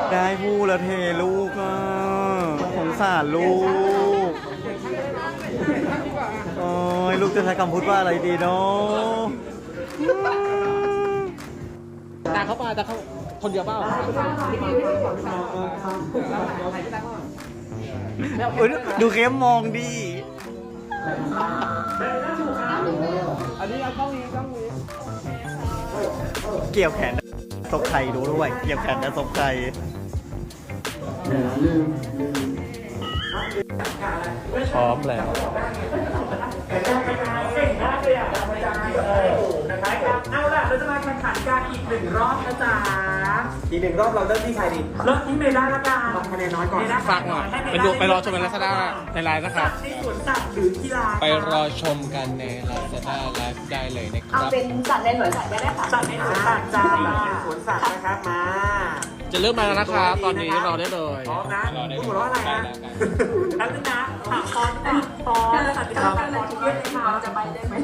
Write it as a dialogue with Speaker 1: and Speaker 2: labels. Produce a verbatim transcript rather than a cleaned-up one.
Speaker 1: ได้พูดแล้วเทลูกอ่ะสงสารลูกโอ้ยลูกจะใช้คำพูดว่าอะไรดีเนาะ
Speaker 2: ตาเขามาตาเขาคนเดียวเปล่า
Speaker 1: ดูเข้มมองดิ
Speaker 2: อันนี้เอากล้องนี้กล้องนี้
Speaker 1: เกี่ยวแขนศพไข่ดูด้วยเกี่ยวแขนกับศพไข่พร้อมแล้ว
Speaker 3: เอาล่ะเราจะมาแข่งขันกันอีกหนึ่งรอบนะจ๊ะ
Speaker 2: อีกหนึ่งรอบเราเริ่มที่ใครดี
Speaker 3: เริ่มที่เมด้าละกัน
Speaker 2: คะแนนน้อยก่อน
Speaker 4: ฝากหน่อยไปดูไปรอชมกันลักษณะในไลน์นะครับ
Speaker 3: ในสวนสัตว์หรือกีฬา
Speaker 4: ไปรอชมกันใน Lazada ไลฟ์ได้เลยนะค
Speaker 5: เอา
Speaker 4: รับ
Speaker 5: เป็นสัตว์ในสวนสัตว์ก็ได้ค่ะ
Speaker 3: สัตว์ในสวนสัตว์จ้า
Speaker 2: สวนสัตว์นะครับมา
Speaker 4: จะเริ่มมาแล้วนะครับตอนนี้รอได้เลย
Speaker 3: พร้อมนะ
Speaker 4: รอได้
Speaker 3: พู
Speaker 4: เล
Speaker 3: ด
Speaker 4: ย
Speaker 3: ว่าอะไรนะแล้วนะถามฟอนก่อนฟอนสัตว์ที่เราฟอนที่เรียกมา
Speaker 5: เราจะไปได้ไหม